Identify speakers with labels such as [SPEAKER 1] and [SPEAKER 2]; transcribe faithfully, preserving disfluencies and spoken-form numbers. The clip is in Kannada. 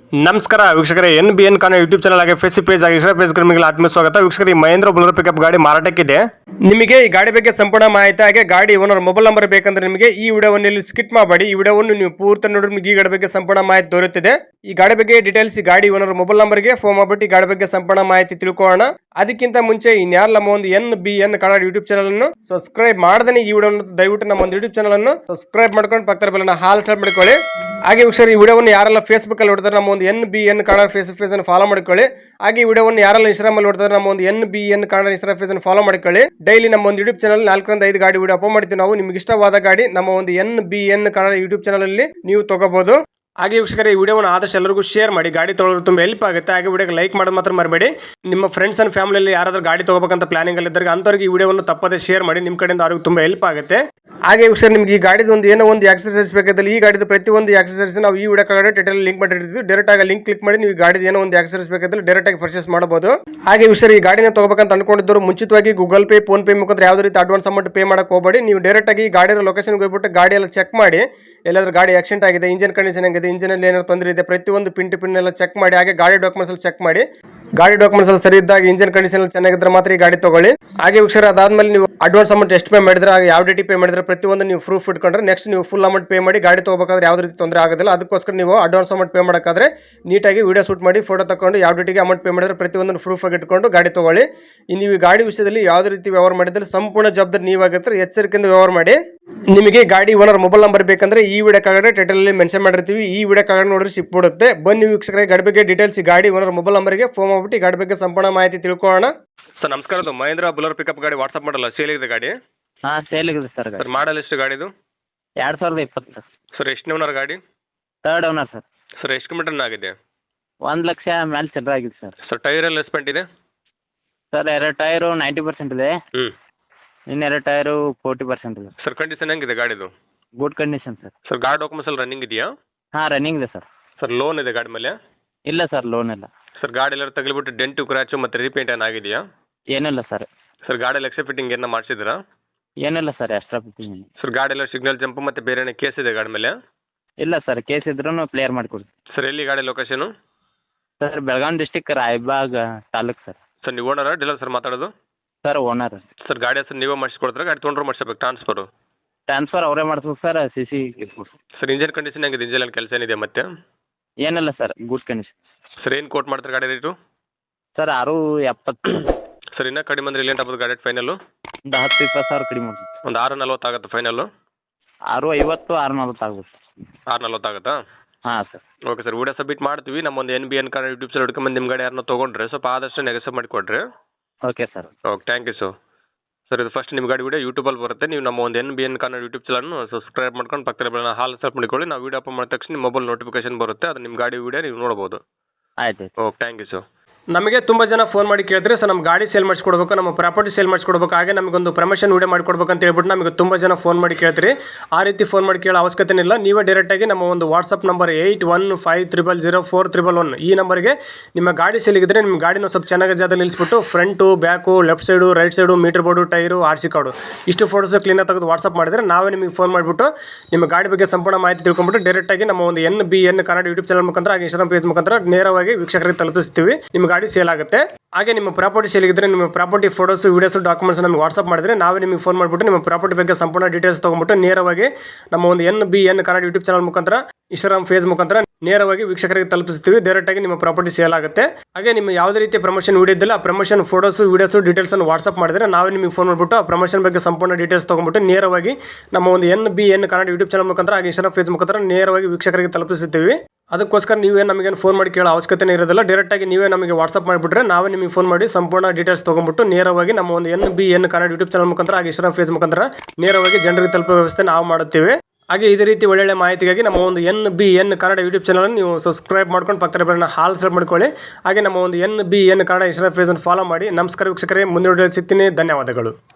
[SPEAKER 1] ನಮಸ್ಕಾರ ವೀಕ್ಷಕರೇ, ಎನ್ ಬಿ ಎನ್ ಕಾನೋ ಯೂಟ್ಯೂಬ್ ಚಾನಲ್ ಆಗಿ ಫೇಸ್ ಪೇಜ್ ಆಗಿ ಇನ್ಸ್ಟಾ ಪೇಜ್ ನಿಮಗೆ ಆತ್ಮ ಸ್ವಾಗತ. ವೀಕ್ಷಕರೇ, ಮಹೇಂದ್ರ ಬುಲರ್ ಪಿಕಪ್ ಗಾಡಿ ಮಾರಾಟಕ್ಕಿದೆ. ನಿಮಗೆ ಈ ಗಾಡಿ ಬಗ್ಗೆ ಸಂಪೂರ್ಣ ಮಾಹಿತಿ ಹಾಗೆ ಗಾಡಿ ಓನರ್ ಮೊಬೈಲ್ ನಂಬರ್ ಬೇಕಂದ್ರೆ ನಿಮಗೆ ಈ ವಿಡಿಯೋವನ್ನು ಇಲ್ಲಿ ಸ್ಕಿಪ್ ಮಾಡಬೇಡಿ. ಈ ವಿಡಿಯೋವನ್ನು ನೀವು ಪೂರ್ತಿ ನೋಡಿದ್ರೆ ನಿಮಗೆ ಈ ಗಾಡಿ ಬಗ್ಗೆ ಸಂಪೂರ್ಣ ಮಾಹಿತಿ ದೊರೆಯುತ್ತದೆ. ಈ ಗಾಡಿ ಬಗ್ಗೆ ಡೀಟೇಲ್ಸ್ ಈ ಗಾಡಿ ಓನರ್ ಮೊಬೈಲ್ ನಂಬರ್ಗೆ ಫೋನ್ ಮಾಡಿಬಿಟ್ಟು ಈ ಗಾಡಿ ಬಗ್ಗೆ ಸಂಪೂರ್ಣ ಮಾಹಿತಿ ತಿಳ್ಕೊಳ್ಳೋಣ. ಅದಕ್ಕಿಂತ ಮುಂಚೆ ಇನ್ಯಾರು ನಮ್ಮ ಒಂದು N B N Kannada YouTube channel ಅನ್ನು ಸಬ್ಸ್ಕ್ರೈಬ್ ಮಾಡದೇ ಈ ವಿಡಿಯೋ ದಯವಿಟ್ಟು ನಮ್ಮ ಒಂದು ಯೂಟ್ಯೂಬ್ ಚಾನಲ್ ಅನ್ನು ಸಬ್ಸ್ಕ್ರೈಬ್ ಮಾಡ್ಕೊಂಡು ಪಕ್ಕದ ಬೆಲ್ಲನ್ನ ಹಾಲ್ ಸೆಟ್ ಮಾಡ್ಕೊಳ್ಳಿ. ಹಾಗೆ ವೀಕ್ಷಕರು, ಈ ವಿಡಿಯೋವನ್ನು ಯಾರೆಲ್ಲ ಫೇಸ್ಬುಕ್ ಅಲ್ಲಿ ನೋಡ್ತಾರೆ ನಮ್ಮ ಒಂದು N B N Kannada face page ಅನ್ನು ಫಾಲೋ ಮಾಡ್ಕೊಳ್ಳಿ. ಹಾಗೆ ಈ ವಿಡಿಯೋವನ್ನು ಯಾರೆಲ್ಲ ಇನ್ಸ್ಟಾಗ್ರಾಮ್ ಅಲ್ಲಿ ನೋಡ್ತಾರೆ ನಮ್ಮ ಒಂದು N B N Kannada Instagram page ಅನ್ನು ಫಾಲೋ ಮಾಡ್ಕೊಳ್ಳಿ. ಡೈಲಿ ನಮ್ಮ ಒಂದು ಯೂಟ್ಯೂಬ್ ಚಾನಲ್ ನಾಲ್ಕರಿಂದ ಐದು ಗಾಡಿ ವಿಡಿಯೋ ಅಪ್ಲೋಡ್ ಮಾಡ್ತೀವಿ ನಾವು. ನಿಮ್ಗೆ ಇಷ್ಟವಾದ ಗಾಡಿ ನಮ್ಮ ಒಂದು N B N Kannada YouTube channel ಅಲ್ಲಿ ನೀವು ತಗೋಬಹುದು. ಹಾಗೆ ವೀಕ್ಷಕರೇ, ಈ ವಿಡಿಯೋವನ್ನು ಆದಷ್ಟು ಎಲ್ಲರಿಗೂ ಶೇರ್ ಮಾಡಿ. ಗಾಡಿ ತೊಗೊಳ್ಳೋದು ತುಂಬ ಹೆಲ್ಪ್ ಆಗುತ್ತೆ. ಹಾಗೆ ವಿಡಿಯೋಗೆ ಲೈಕ್ ಮಾಡೋದು ಮಾತ್ರ ಮರಬೇಡಿ. ನಿಮ್ಮ ಫ್ರೆಂಡ್ಸ್ ಅಂಡ್ ಫ್ಯಾಮಿಲಿಯಲ್ಲಿ ಯಾರಾದರೂ ಗಾಡಿ ತಗೋಬೇಕಂತ ಪ್ಲಾನಿಂಗ್ ಅಲ್ಲಿ ಇದ್ದರೆ ಅಂಥವ್ರಿಗೆ ಈ ವಿಡಿಯೋವನ್ನು ತಪ್ಪದೇ ಶೇರ್ ಮಾಡಿ. ನಿಮ್ಮ ಕಡೆಯಿಂದ ಅವ್ರಿಗೆ ತುಂಬ ಹೆಲ್ಪ್ ಆಗುತ್ತೆ. ಹಾಗೆ ವೀಕ್ಷಕರೇ, ನಿಮ್ಗೆ ಈ ಗಾಡಿದು ಒಂದು ಏನೋ ಒಂದು ಎಕ್ಸರ್ಸೈಸ್ ಬೇಕಾದಲ್ಲಿ ಈ ಗಾಡಿದು ಪ್ರತಿಯೊಂದು ಎಕ್ಸರ್ಸೈಸ್ ನಾವು ಈ ವಿಡಿಯೋ ಕೆಳಗಡೆ ಟೈಟಲ್ ಲಿಂಕ್ ಮಾಡಿರ್ತೀವಿ. ಡೈರೆಕ್ಟ್ ಆಗಿ ಲಿಂಕ್ ಕ್ಲಿಕ್ ಮಾಡಿ ನೀವು ಈ ಗಾಡಿದು ಏನೋ ಒಂದು ಎಕ್ಸರ್ಸೈಸ್ ಬೇಕಾದಲ್ಲಿ ಡೈರೆಕ್ಟ್ ಆಗಿ ಪರ್ಚೇಸ್ ಮಾಡಬಹುದು. ಹಾಗೆ ವೀಕ್ಷಕರೇ, ಈ ಗಾಡಿನ ತಗೋಬೇಕಂತ ಅನ್ಕೊಂಡಿದ್ದವರು ಮುಂಚಿತವಾಗಿ ಗೂಗಲ್ ಪೇ, ಫೋನ್ ಪೇ ಮುಖಾಂತರ ಯಾವುದೇ ರೀತಿ ಅಡ್ವಾನ್ಸ್ ಅಮೌಂಟ್ ಪೇ ಮಾಡಕ್ಕೆ ಹೋಗಬೇಡಿ. ನೀವು ಡೈರೆಕ್ಟ್ ಆಗಿ ಗಾಡಿಯ ಲೊಕೇಶನ್ಗೆ ಹೋಗ್ಬಿಟ್ಟು ಗಾಡಿ ಎಲ್ಲ ಚೆಕ್ ಮಾಡಿ. ಎಲ್ಲಾದ್ರೂ ಗಾಡಿ ಆಕ್ಸಿಡೆಂಟ್ ಆಗಿದೆ, ಇಂಜಿನ್ ಕಂಡೀಷನ್ ಆಗಿದೆ, ಇಂಜಿನ್ ಅಲ್ಲಿ ಏನಾದ್ರು ತೊಂದರೆ ಇದೆ, ಪ್ರತಿಯೊಂದು ಪಿನ್ ಟು ಪಿನ್ ಎಲ್ಲ ಚೆಕ್ ಮಾಡಿ. ಹಾಗೆ ಗಾಡಿ ಡಾಕ್ಯುಮೆಂಟ್ಸ್ ಅಲ್ಲಿ ಚೆಕ್ ಮಾಡಿ. ಗಾಡಿ ಡಾಕ್ಯುಮೆಂಟ್ಸ್ ಅಲ್ಲಿ ಸರಿ ಇದ್ದಾಗ, ಇಂಜಿನ್ ಕಂಡೀಷನ್ ಚೆನ್ನಾಗಿದ್ರೆ ಮಾತ್ರ ಈ ಗಾಡಿ ತಗೊಳ್ಳಿ. ಹಾಗೆ ವೀಕ್ಷಕರೇ, ಅದಾದ್ಮೇಲೆ ನೀವು ಅಡ್ವಾನ್ಸ್ ಅಮೌಂಟ್ ಎಷ್ಟು ಪೇ ಮಾಡಿದ್ರೆ, ಯಾವ ಡೇಟಿ ಪೇ ಮಾಡಿದ್ರೆ ಪ್ರತಿಯೊಂದು ನೀವು ಪ್ರೂಫ್ ಇಟ್ಕೊಂಡ್ರೆ ನೆಕ್ಸ್ಟ್ ನೀವು ಫುಲ್ ಅಮೌಂಟ್ ಪೇ ಮಾಡಿ ಗಾಡಿ ತಗೋಬೇಕಾದ್ರೆ ಯಾವುದೇ ರೀತಿ ತೊಂದರೆ ಆಗೋದಿಲ್ಲ. ಅದಕ್ಕೋಸ್ಕರ ನೀವು ಅಡ್ವಾನ್ಸ್ ಅಮೌಂಟ್ ಪೇ ಮಾಡೋಕ್ಕಾದ್ರೆ ನೀಟಾಗಿ ವಿಡಿಯೋ ಶೂಟ್ ಮಾಡಿ ಫೋಟೋ ತಗೊಂಡು ಯಾವ ಡೇಟಿಗೆ ಅಮೌಂಟ್ ಪೇ ಮಾಡಿದ್ರೆ ಪ್ರತಿಯೊಂದನ್ನು ಪ್ರೂಫ್ ಆಗಿ ಇಟ್ಕೊಂಡು ಗಾಡಿ ತಗೊಳ್ಳಿ. ನೀವು ಈ ಗಾಡಿ ವಿಷಯದಲ್ಲಿ ಯಾವುದೇ ರೀತಿ ವ್ಯವಹಾರ ಮಾಡಿದ್ರೆ ಸಂಪೂರ್ಣ ಜವಾಬ್ದಾರಿ ನೀವಾಗಿರ್ತಾರೆ. ಎಚ್ಚರಿಕೆಯಿಂದ ವ್ಯವಹಾರ ಮಾಡಿ. ನಿಮಗೆ ಗಾಡಿ ಓನರ್ ಮೊಬೈಲ್ ನಂಬರ್ ಬೇಕಂದ್ರೆ ಈ ವಿಡಿಯೋ ಕೆಳಗಡೆ ಟೈಟಲ್ ಅಲ್ಲಿ ಮೆನ್ಷನ್ ಮಾಡಿರ್ತೀವಿ. ಈ ವಿಡಿಯೋ ಕೆಳಗಡೆ ನೋಡಿದ್ರೆ ಸಿಕ್ಬಿಡುತ್ತೆ. ಬನ್ನಿ ವೀಕ್ಷಕರೇ, ಗಾಡಿ ಬಗ್ಗೆ ಡೀಟೇಲ್ಸ್ ಈ ಗಾಡಿ ಓನರ್ ಮೊಬೈಲ್ ನಂಬರ್ಗೆ ಫೋನ್ ಮಾಡ್ಬಿಟ್ಟು ಗಾಡಿ ಬಗ್ಗೆ ಸಂಪೂರ್ಣ ಮಾಹಿತಿ ತಿಳ್ಕೊಳ್ಳೋಣ. ಸರ್ ನಮಸ್ಕಾರ, ಅದು ಮಹೇಂದ್ರ ಬುಲರ್ ಪಿಕಪ್ ಗಾಡಿ ವಾಟ್ಸಪ್ ಮಾಡಲ್ಲ, ಸೇಲ್ ಇದೆ ಗಾಡಿ?
[SPEAKER 2] ಹಾಂ, ಸೇಲ್ ಇದೆ ಸರ್.
[SPEAKER 1] ಸರ್ ಮಾಡಲ್ ಎಷ್ಟು ಗಾಡಿದು?
[SPEAKER 2] ಎರಡು ಸಾವಿರದ ಇಪ್ಪತ್ತು ಸರ್.
[SPEAKER 1] ಸರ್ ಎಷ್ಟು ಓನರ್ ಗಾಡಿ?
[SPEAKER 2] Third owner sir.
[SPEAKER 1] ಸರ್ ಎಷ್ಟು ಕಿಲೋಮೀಟರ್ ಆಗಿದೆ?
[SPEAKER 2] ಒಂದು ಲಕ್ಷ ಮೇಲೆ ಚಿಲ್ಲರೆ ಆಗಿದೆ ಸರ್.
[SPEAKER 1] ಸರ್ ಟೈರ್ ಎಲ್ಲ ಎಸ್ಪೆಂಟ್ ಇದೆ?
[SPEAKER 2] ಸರ್ ಎರಡು ಟೈರು ನೈಂಟಿ ಪರ್ಸೆಂಟ್ ಇದೆ.
[SPEAKER 1] ಹ್ಞೂ.
[SPEAKER 2] ಇನ್ನೆರಡು ಟೈರು ಫೋರ್ಟಿ ಪರ್ಸೆಂಟ್ ಇದೆ.
[SPEAKER 1] ಸರ್ ಕಂಡೀಷನ್ ಹೆಂಗಿದೆ ಗಾಡಿದು?
[SPEAKER 2] Good condition sir.
[SPEAKER 1] ಸರ್ ಗಾಡಿ ಡಾಕ್ಯುಮೆಂಟ್ಸ್ ಎಲ್ಲ ರನ್ನಿಂಗ್ ಇದೆಯಾ?
[SPEAKER 2] ಹಾಂ, ರನ್ನಿಂಗ್ ಇದೆ ಸರ್.
[SPEAKER 1] ಸರ್ ಲೋನ್ ಇದೆ ಗಾಡಿ ಮೇಲೆ?
[SPEAKER 2] ಇಲ್ಲ ಸರ್, ಲೋನ್ ಇಲ್ಲ.
[SPEAKER 1] ಸರ್ ಗಾಡಿ ಎಲ್ಲ ತಗಲಿಬಿಟ್ಟು ಡೆಂಟು ಕ್ರ್ಯಾಚು ಮತ್ತು ರೀಪೇಂಟ್ ಏನಾಗಿದೆಯಾ?
[SPEAKER 2] ಏನಿಲ್ಲ ಸರ್.
[SPEAKER 1] ಸರ್ ಗಾಡಿ ಎಲ್ಲ ಎಕ್ಸ್ಟ್ರಾ ಫಿಟ್ಟಿಂಗ್ ಏನೋ ಮಾಡಿಸಿದ್ರಾ?
[SPEAKER 2] ಏನಿಲ್ಲ ಸರ್, ಎಕ್ಸ್ಟ್ರಾ ಫಿಟ್ಟಿಂಗ್.
[SPEAKER 1] ಸರ್ ಗಾಡಿ ಎಲ್ಲ ಸಿಗ್ನಲ್ ಜಂಪ್ ಮತ್ತು ಬೇರೆ ಏನೋ ಕೇಸ್ ಇದೆ ಗಾಡಿ ಮೇಲೆ?
[SPEAKER 2] ಇಲ್ಲ ಸರ್, ಕೇಸ್ ಇದ್ರೂ ಕ್ಲಿಯರ್ ಮಾಡಿಕೊಡ್ತೀವಿ.
[SPEAKER 1] ಸರ್ ಎಲ್ಲಿ ಗಾಡಿ location?
[SPEAKER 2] Sir Belagavi district Raybag taluk sir.
[SPEAKER 1] Sir ನೀವು ಓನರಾ ಡೀಲರ್ ಸರ್ ಮಾತಾಡೋದು?
[SPEAKER 2] Sir owner.
[SPEAKER 1] ಸರ್ ಗಾಡಿ ಹೆಸರು ನೀವೇ ಮಾಡಿಸ್ಕೊಡ್ತಾರೆ, ಗಾಡಿ ತೊಗೊಂಡ್ರು ಮಾಡಿಸ್ಬೇಕು ಟ್ರಾನ್ಸ್ಫರು?
[SPEAKER 2] ಟ್ರಾನ್ಸ್ಫರ್ ಅವರೇ ಮಾಡಿಸ್ಬೇಕು sir. C C
[SPEAKER 1] sir engine condition ಹೆಂಗಿದೆ? ಇಂಜಿನ್ ಅಲ್ಲಿ ಕೆಲಸ ಏನಿದೆ ಮತ್ತೆ?
[SPEAKER 2] ಏನಿಲ್ಲ ಸರ್, ಗುಡ್ ಕಂಡೀಷನ್.
[SPEAKER 1] ಸರ್ ಏನು ಕೋಟ್ ಮಾಡ್ತಾರೆ ಗಾಡಿ ರೇಟು?
[SPEAKER 2] ಸರ್ ಆರು ಎಪ್ಪತ್ತು.
[SPEAKER 1] ಸರ್ ಇನ್ನೂ ಕಡಿಮೆ ಅಂದ್ರೆ ಎಲ್ಲಿ ಆಗ್ಬೋದು ಗಾಡಿ ಫೈನಲ್ಲು?
[SPEAKER 2] ಒಂದು ಹತ್ತು ಇಪ್ಪತ್ತು ಸಾವಿರ ಕಡಿಮೆ ಮಾಡ್ತೀವಿ.
[SPEAKER 1] ಒಂದು ಆರು ನಲ್ವತ್ತು ಆಗುತ್ತೆ ಫೈನಲ್ಲು?
[SPEAKER 2] ಆರು ಐವತ್ತು ಆರು ನಲ್ವತ್ತು ಆಗುತ್ತೆ.
[SPEAKER 1] ಆರು ನಲ್ವತ್ತು ಆಗುತ್ತಾ? ಹಾಂ
[SPEAKER 2] sir.
[SPEAKER 1] Okay sir, video submit ಮಾಡ್ತೀವಿ. ನಮ್ಮ ಒಂದು N B N Kannada YouTube channel ಹುಡ್ಕೊಂಬಂದು ನಿಮ್ಮ ಗಾಡಿ ಯಾರನ್ನ ತೊಗೊಂಡ್ರೆ ಸ್ವಲ್ಪ ಆದಷ್ಟು ನೆಗೆಸಬ್ ಮಾಡಿಕೊಡ್ರಿ.
[SPEAKER 2] Okay sir.
[SPEAKER 1] Okay, thank you sir. Sir ಇದು ಫಸ್ಟ್ ನಿಮ್ಮ ಗಾಡಿ ವಿಡಿಯೋ ಯೂಟ್ಯೂಬಲ್ಲಿ ಬರುತ್ತೆ. ನೀವು ನಮ್ಮ ಒಂದು N B N Kannada YouTube ಚಾನಲ್ನ ಸಬ್ಸ್ಕ್ರೈಬ್ ಮಾಡ್ಕೊಂಡು ಪಕ್ಕದ ಬೆಲ್ಲ ಹಾಲ್ ಸೆಟ್ ಮಾಡಿಕೊಳ್ಳಿ. ನಾವು ವೀಡಿಯೋ ಅಪ್ಲೋಡ್ ಮಾಡಿದ ತಕ್ಷಣ ನಿಮ್ಮ ಮೊಬೈಲ್ ನೋಟಿಫಿಕೇಶನ್ ಬರುತ್ತೆ. ಅದು ನಿಮ್ಮ ಗಾಡಿ ವಿಡಿಯೋ ನೀವು ನೋಡ್ಬೋದು.
[SPEAKER 2] ಆಯ್ತು.
[SPEAKER 1] Okay, thank you sir. ನಮಗೆ ತುಂಬ ಜನ ಫೋನ್ ಮಾಡಿ ಕೇಳಿದ್ರೆ ಸರ್ ನಮ್ಮ ಗಾಡಿ ಸೇಲ್ ಮಾಡಿಸ್ಕೊಡ್ಬೇಕು, ನಮ್ಮ ಪ್ರಾಪರ್ಟಿ ಸೇಲ್ ಮಾಡಿಸ್ಕೊಡ್ಬೇಕು, ಹಾಗೆ ನಮಗೊಂದು ಪ್ರಮೋಷನ್ ವಿಡಿಯೋ ಮಾಡಿಕೊಡ್ಬೇಕು ಅಂತ ಹೇಳ್ಬಿಟ್ಟು ನಮಗೆ ತುಂಬ ಜನ ಫೋನ್ ಮಾಡಿ ಕೇಳ್ತೀರಿ. ಆ ರೀತಿ ಫೋನ್ ಮಾಡಿ ಕೇಳೋ ಅವಶ್ಯಕತೆ ಇಲ್ಲ. ನೀವೇ ಡೈರೆಕ್ಟಾಗಿ ನಮ್ಮ ಒಂದು WhatsApp number eight one five triple zero four triple one ಈ ನಂಬರ್ಗೆ ನಿಮ್ಮ ಗಾಡಿ ಸೇಲಿಗಿದ್ರೆ ನಿಮ್ಮ ಗಾಡಿನ ಸ್ವಲ್ಪ ಚೆನ್ನಾಗಿ ಜಾಗದಲ್ಲಿ ನಿಲ್ಲಿಸ್ಬಿಟ್ಟು front, back, left side, right side, meter board, tyre, R C card ಇಷ್ಟು ಫೋಟೋಸ್ ಕ್ಲೀನಾಗಿ ತೆಗೆದು ವಾಟ್ಸಪ್ ಮಾಡಿದ್ರೆ ನಾವೇ ನಿಮಗೆ ಫೋನ್ ಮಾಡಿಬಿಟ್ಟು ನಿಮ್ಮ ಗಾಡಿ ಬಗ್ಗೆ ಸಂಪೂರ್ಣ ಮಾಹಿತಿ ತಿಳ್ಕೊಂಡ್ಬಿಟ್ಟು ಡೈರೆಕ್ಟಾಗಿ ನಮ್ಮ ಒಂದು N B N Kannada YouTube channel ಮುಖಾಂತರ ಹಾಗೆ ಇನ್ಸ್ಟಾಗ್ರಾಮ್ ಪೇಜ್ ಮುಖಾಂತರ ನೇರವಾಗಿ ವೀಕ್ಷಕರಿಗೆ ತಲುಪಿಸ್ತೀವಿ. ನಿಮ್ಮ ಗಾಡಿ ಸೇಲ್ ಆಗುತ್ತೆ. ಹಾಗೆ ನಿಮ್ಮ ಪ್ರಾಪರ್ಟಿ ಸೇಲಿಗಿದ್ರೆ ನಿಮ್ಮ ಪ್ರಾಪರ್ಟಿ ಫೋಟೋಸ್, ವೀಡಿಯೋಸ್, ಡಾಕ್ಯುಮೆಂಟ್ಸ್ ನಮಗೆ ವಾಟ್ಸಪ್ ಮಾಡಿದ್ರೆ ನಾವೇ ನಿಮಗೆ ಫೋನ್ ಮಾಡಿಬಿಟ್ಟು ನಿಮ್ಮ ಪ್ರಾಪರ್ಟಿ ಬಗ್ಗೆ ಸಂಪೂರ್ಣ ಡೀಟೇಲ್ಸ್ ತೊಗೊಂಡ್ಬಿಟ್ಟು ನೇರವಾಗಿ ನಮ್ಮ ಒಂದು N B N Kannada YouTube channel ಮುಖಾಂತರ ಇನ್ಸ್ಟಾಗ್ರಾಮ್ ಫೇಸ್ ಮುಖಾಂತರ ನೇರವಾಗಿ ವೀಕ್ಷಕರಿಗೆ ತಲುಪಿಸ್ತೀವಿ. ಡೈರೆಕ್ಟಾಗಿ ನಿಮ್ಮ ಪ್ರಾಪರ್ಟಿ ಸೇಲ್ ಆಗುತ್ತೆ. ಹಾಗೆ ನಿಮ್ಮ ಯಾವುದೇ ರೀತಿಯ ಪ್ರಮೋಷನ್ ವಿಡಿಯೋ ಇದ್ದಿಲ್ಲ, ಆ ಪ್ರಮೋಷನ್ ಫೋಟೋಸ್, ವೀಡಿಯೋಸ್, ಡೀಟೇಲ್ಸ್ ಅನ್ನು ವಾಟ್ಸಪ್ ಮಾಡಿದ್ರೆ ನಾವೇ ನಿಮಗೆ ಫೋನ್ ಮಾಡಿಬಿಟ್ಟು ಆ ಪ್ರಮೋಷನ್ ಬಗ್ಗೆ ಸಂಪೂರ್ಣ ಡೀಟೇಲ್ಸ್ ತೊಗೊಂಡ್ಬಿಟ್ಟು ನೇರವಾಗಿ ನಮ್ಮ ಒಂದು N B N Kannada YouTube channel ಮುಖಾಂತರ ಹಾಗೆ ಇನ್ಸ್ಟಾಗ್ರಾಮ್ ಫೇಸ್ ಮುಖಾಂತರ ನೇರವಾಗಿ ವೀಕ್ಷಕರಿಗೆ ತಲುಪಿಸ್ತೀವಿ. ಅದಕ್ಕೋಸ್ಕರ ನೀವೇ ನಮಗೇನು ಫೋನ್ ಮಾಡಿ ಕೇಳೋ ಅವಶ್ಯಕತೆ ಇರೋದಿಲ್ಲ. ಡೈರೆಕ್ಟಾಗಿ ನೀವೇ ನಮಗೆ ವಾಟ್ಸಪ್ ಮಾಡಿಬಿಟ್ರೆ ನಾವೇ ನಿಮಗೆ ಫೋನ್ ಮಾಡಿ ಸಂಪೂರ್ಣ ಡೀಟೇಲ್ಸ್ ತೊಗೊಂಡ್ಬಿಟ್ಟು ನೇರವಾಗಿ ನಮ್ಮ ಒಂದು N B N Kannada YouTube channel ಮುಖಾಂತರ ಹಾಗೆ ಇನ್ಸ್ಟಾಗ್ರಾಮ್ ಫೇಸ್ ಮುಖಾಂತರ ನೇರವಾಗಿ ಜನರಿಗೆ ತಲುಪೋ ವ್ಯವಸ್ಥೆ ನಾವು ಮಾಡುತ್ತೇವೆ. ಹಾಗೆ ಇದೇ ರೀತಿ ಒಳ್ಳೊಳ್ಳೆ ಮಾಹಿತಿಗಾಗಿ ನಮ್ಮ ಒಂದು N B N Kannada YouTube channel ನೀವು ಸಬ್ಸ್ಕ್ರೈಬ್ ಮಾಡ್ಕೊಂಡು ಪಕ್ಕದ ಬೆಲ್ಲನ್ನ ಹಾಲ್ ಸೆಟ್ ಮಾಡ್ಕೊಳ್ಳಿ. ಹಾಗೆ ನಮ್ಮ ಒಂದು N B N Kannada Instagram ಫೇಸನ್ನು ಫಾಲೋ ಮಾಡಿ. ನಮಸ್ಕಾರ ವೀಕ್ಷಕರೇ, ಮುಂದಿನ ವಿಡಿಯೋ ಸಿಗ್ತೀನಿ. ಧನ್ಯವಾದಗಳು.